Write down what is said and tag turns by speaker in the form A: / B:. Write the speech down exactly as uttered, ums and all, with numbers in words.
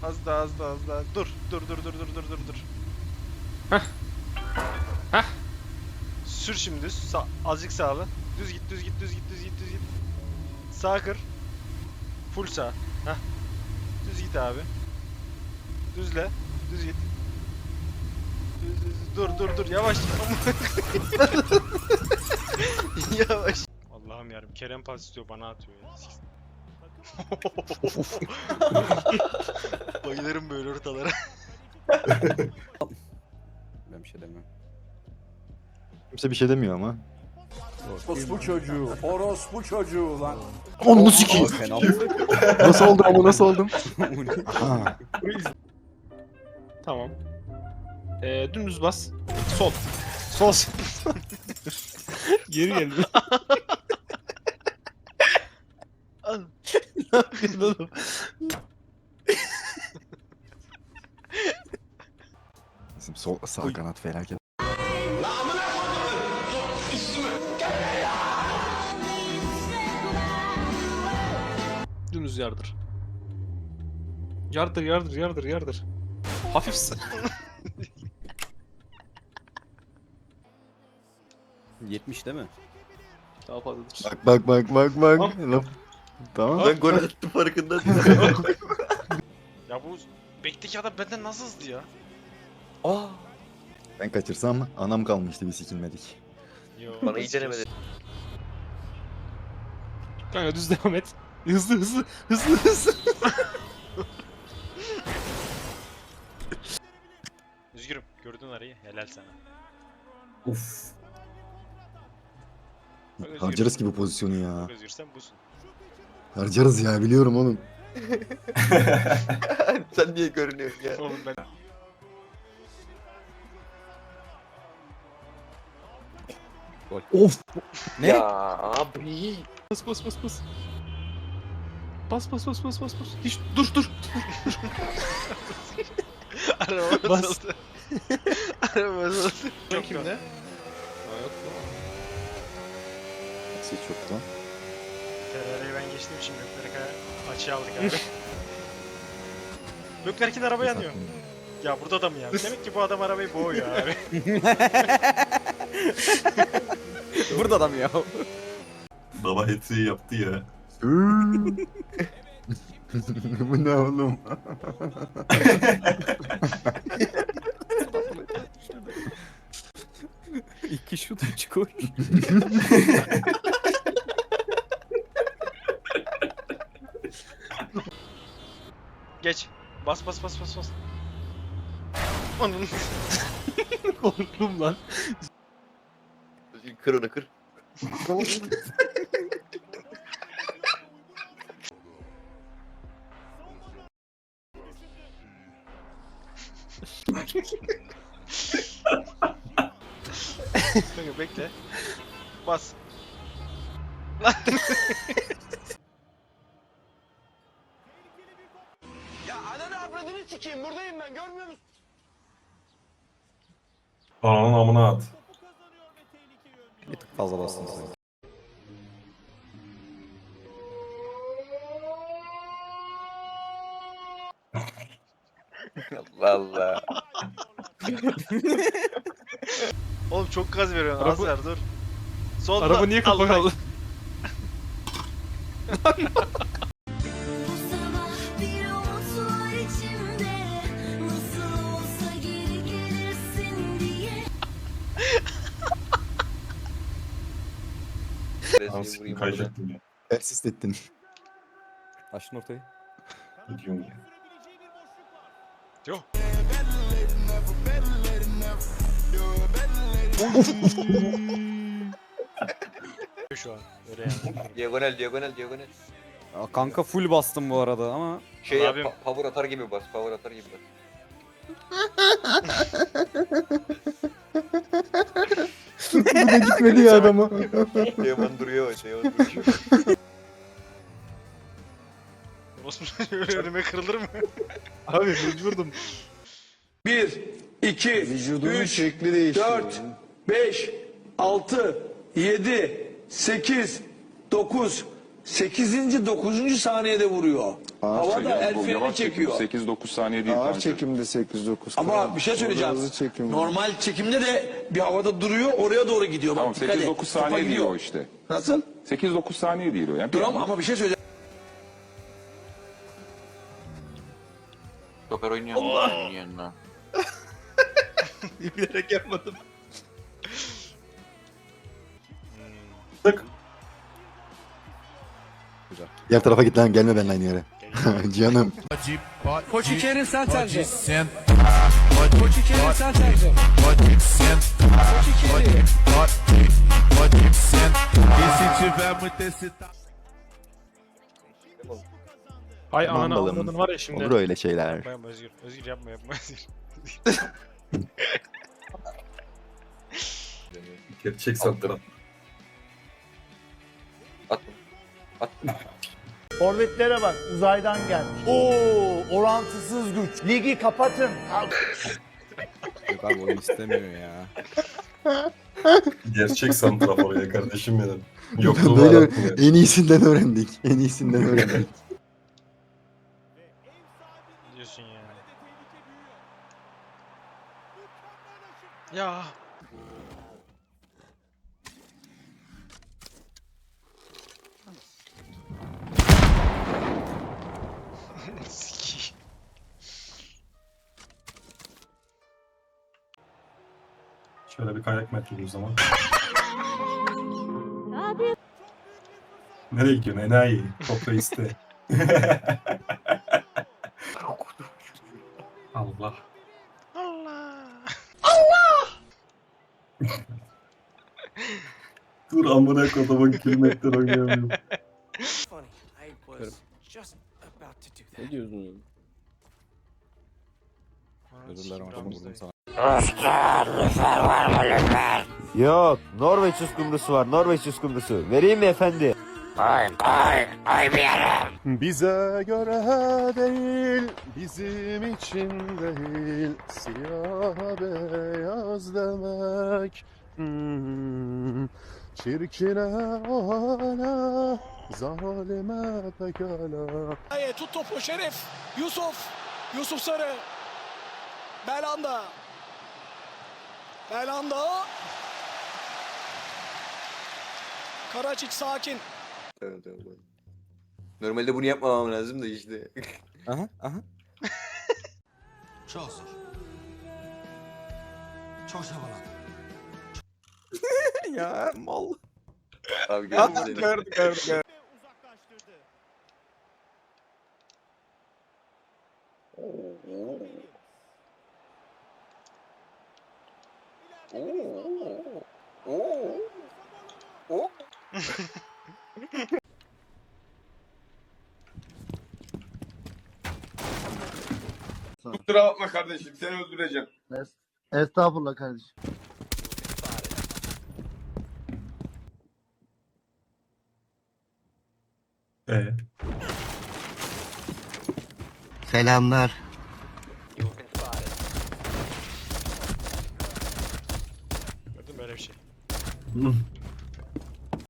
A: Az daha az daha az daha. Dur dur dur dur dur dur dur dur.
B: Hah. Hah.
A: Sür şimdi düz. Sa azıcık sağlı. Düz git düz git düz git düz git düz git. Sağ kır. Full sağ. Hah. Düz git abi. Düzle. Düz git. Düz, düz, düz. Dur dur dur yavaş. Yavaş. Allah'ım yarım Kerem pas istiyor bana atıyor ya. Bayılırım böyle ortalara.
C: Ben bir şey demiyorum.
D: Kimse bir şey demiyor ama.
E: Orospu çocuğu, orospu çocuğu lan.
D: Onu sikeyim.
C: Fena.
D: Nasıl oldum ama nasıl oldum? Ha.
B: Tamam. Ee, dümdüz bas. Sol. Sol. Geri geldi.
A: Al.
B: Ne yapıyorsun oğlum?
D: Bizim sol sağ kanat felaket.
B: Dümdüz yardır. Yardır yardır yardır yardır. Hafif s-
C: yetmiş değil mi?
B: Daha fazladır.
D: Bak bak bak bak bak.
B: Tamam.
D: Laf. Tamam.
F: Ben gol attım farkında değilim.
A: Ya bu bekteki adam benden nasıl hızlı ya?
F: Aa,
D: Ben kaçırsam anam kalmıştı bir sikilmedik.
A: Yo,
F: bana iyi denemedi.
B: Kanka düz devam et. Hızlı hızlı hızlı hızlı.
A: Üzgürüm. Gördün arayı. Helal sana.
D: Uf.
A: Bak özgür.
D: Harcarız ki bu pozisyonu ya.
A: Çok özgürsen busun.
D: Harcarız ya biliyorum oğlum.
F: Sen niye görünüyorsun ya?
A: Oğlum ben...
D: Of.
C: Ne?
F: Ya abi.
B: Bas bas bas bas. Bas bas bas bas bas bas. Hiç dur dur.
A: Araba
B: Bas.
A: bozuldu. Araba bozuldu. Çok kimde?
B: Aa, yok lan.
D: Şey çoktan.
A: Ferrari'yi ben geçtim şimdi Gökberk'e açığa aldık abi. Gökberk'in araba yanıyor. Ya burada da mı ya? Demek ki bu adam arabayı boğuyor abi.
C: Burada adam ya.
G: Baba hepsi yaptı ya.
D: Bu ne oğlum?
C: İki şut üç gol.
A: Geç. Bas bas bas bas bas. Onun.
B: Korktum lan.
F: Kır onu kır.
A: Kanka bekle. Bas. Lan.
G: Ananın amına at.
C: Bir tık fazla bastın sen.
F: Valla.
A: Oğlum çok gaz veriyorsun. Az
B: Araba-
A: ver dur. Solda.
B: Araba niye kapak
A: Allah-
B: aldı?
H: Bu sabah bir umut var içimde. Nasıl olsa geri gelirsin diye.
G: Anasını kayacaktım ya.
D: Persist ettin.
C: Açtın ortayı.
G: Gidiyorum ya.
A: Yok. Şu an öyle yani.
F: Diagonal diagonal diagonal.
C: Aa, kanka full bastım bu arada ama.
F: Şey yap,
A: Abim.
F: pa- power atar gibi bas, power atar gibi bas.
D: Bu da gitmedi ya adama.
F: Teoman duruyor, Teoman duruyor.
A: Osman öyle önüme kırılır mı?
B: Abi mecburdum.
E: Bir, iki, üç, dört, beş, altı, yedi, sekiz, dokuz, sekizinci dokuzuncu saniyede vuruyor. Havada el freni çekiyor.
I: sekiz dokuz saniye değil.
D: Ağır
I: kanka.
D: çekimde sekiz dokuz.
E: Ama bir şey söyleyeceğim. Normal çekimde de bir havada duruyor, oraya doğru gidiyor.
I: Tamam
E: Bak dikkat
I: sekiz
E: et.
I: dokuz
E: Topa
I: saniye değil
E: gidiyor.
I: o işte.
E: Nasıl?
I: sekiz dokuz saniye değil o. Yani bir
E: Dur ama,
I: anda-
E: ama bir şey söyleyeceğim.
F: Stoper oynuyor. Allah. Oynuyor lan.
B: Bilerek yapmadım.
G: Tık.
D: Diğer tarafa git lan, gelme benimle aynı yere. Canım.
E: Koçikerin sen tercih. Koçikerin sen tercih. Koçikerin.
B: Hay
D: Aman
B: ananı
D: balım.
B: avradın var ya şimdi.
D: Olur öyle şeyler.
A: Yapma yapma Özgür. Özgür yapma yapma Özgür.
G: Gerçek sandıran.
F: At bunu.
J: Forvetlere bak, uzaydan gelmiş. Oo, orantısız güç. Ligi kapatın.
C: Yok abi oyun istemiyor ya.
G: Gerçek santrafor ya kardeşim benim. Yokluğu
D: Böyle
G: arattım ya.
D: en iyisinden öğrendik. En iyisinden öğrendik.
A: Diyorsun ya. Ya. Sikiyim.
G: Şöyle bir kayak metrolü o zaman. Nereye gidiyorsun enayi? Toprağı iste. Allah.
A: Allah.
G: Dur amına kodumun kelimeler oynayamıyorum.
B: Ne diyorsun?
C: Özür dilerim hocam vurdum sana.
J: Yok, Norveç uskumrusu var, Norveç uskumrusu. Vereyim mi efendi?
D: Bize göre değil, bizim için değil. Siyah beyaz demek. Hmm. Çirkine ona, zalime pekala.
E: Tut topu Şerif. Yusuf. Yusuf Sarı. Belanda. Belanda. Karaçik sakin.
F: Tamam tamam. Normalde bunu yapmamam lazım da işte.
C: Aha aha.
E: Çok zor. Çok havalı.
C: Ya mal.
F: Abi gördüm seni.
C: Gördük gördük gördük.
E: Kusura bakma kardeşim, seni öldüreceğim.
J: Estağfurullah kardeşim.
G: Ee,
J: Selamlar.
A: Gördün mü böyle bir şey?
G: hı.